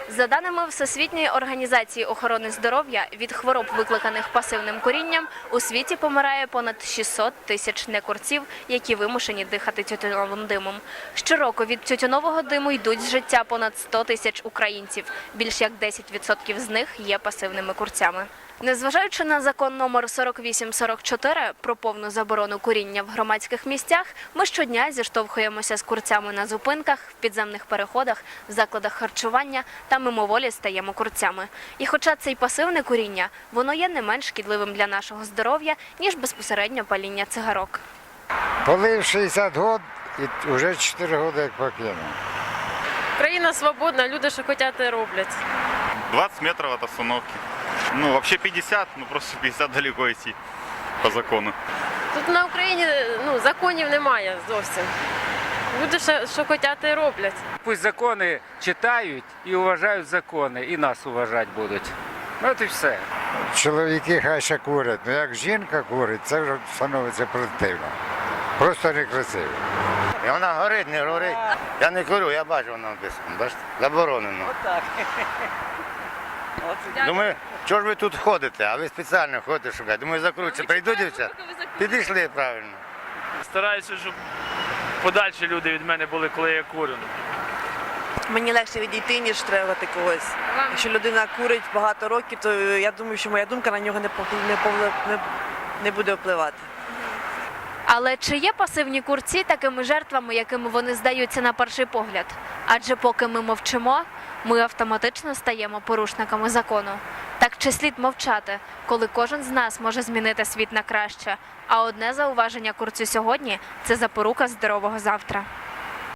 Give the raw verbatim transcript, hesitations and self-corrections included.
За даними Всесвітньої організації охорони здоров'я, від хвороб, викликаних пасивним курінням, у світі помирає понад шістсот тисяч некурців, які вимушені дихати тютюновим димом. Щороку від тютюнового диму йдуть з життя понад сто тисяч українців. Більш як десять відсотків з них є пасивними курцями. Незважаючи на закон номер сорок вісім сорок чотири про повну заборону куріння в громадських місцях, ми щодня зіштовхуємося з курцями на зупинках, в підземних переходах, в закладах харчування та мимоволі стаємо курцями. І хоча це й пасивне куріння, воно є не менш шкідливим для нашого здоров'я, ніж безпосередньо паління цигарок. Полив шістдесят років і вже чотири роки як покинув. Країна свободна, люди, що хочуть, те роблять. двадцать метров от остановки. Ну, вообще пятьдесят, ну просто пятьдесят далеко идти по закону. Тут на Україні ну, законів немає зовсім. Люди, що, що хочуть, те роблять. Пусть закони читають і вважають закони, і нас вважати будуть. От і все. Чоловіки хай ще курять, але як жінка курить, це вже становиться противно. Просто некрасиво. І вона горить, не горить. Я не курю, я бачу, вона написано. Бачите? Заборонено. Отак. Думаю, чого ж ви тут ходите, а ви спеціально ходите шукати. Думаю, закруться, прийдуть дівчата. Підійшли правильно. Стараюся, щоб подальші люди від мене були, коли я курю. Мені легше відійти, ніж требувати когось. Якщо людина курить багато років, то я думаю, що моя думка на нього не, пов- не, пов- не, не буде впливати. Але чи є пасивні курці такими жертвами, якими вони здаються на перший погляд? Адже поки ми мовчимо, ми автоматично стаємо порушниками закону. Так чи слід мовчати, коли кожен з нас може змінити світ на краще? А одне зауваження курцю сьогодні – це запорука здорового завтра.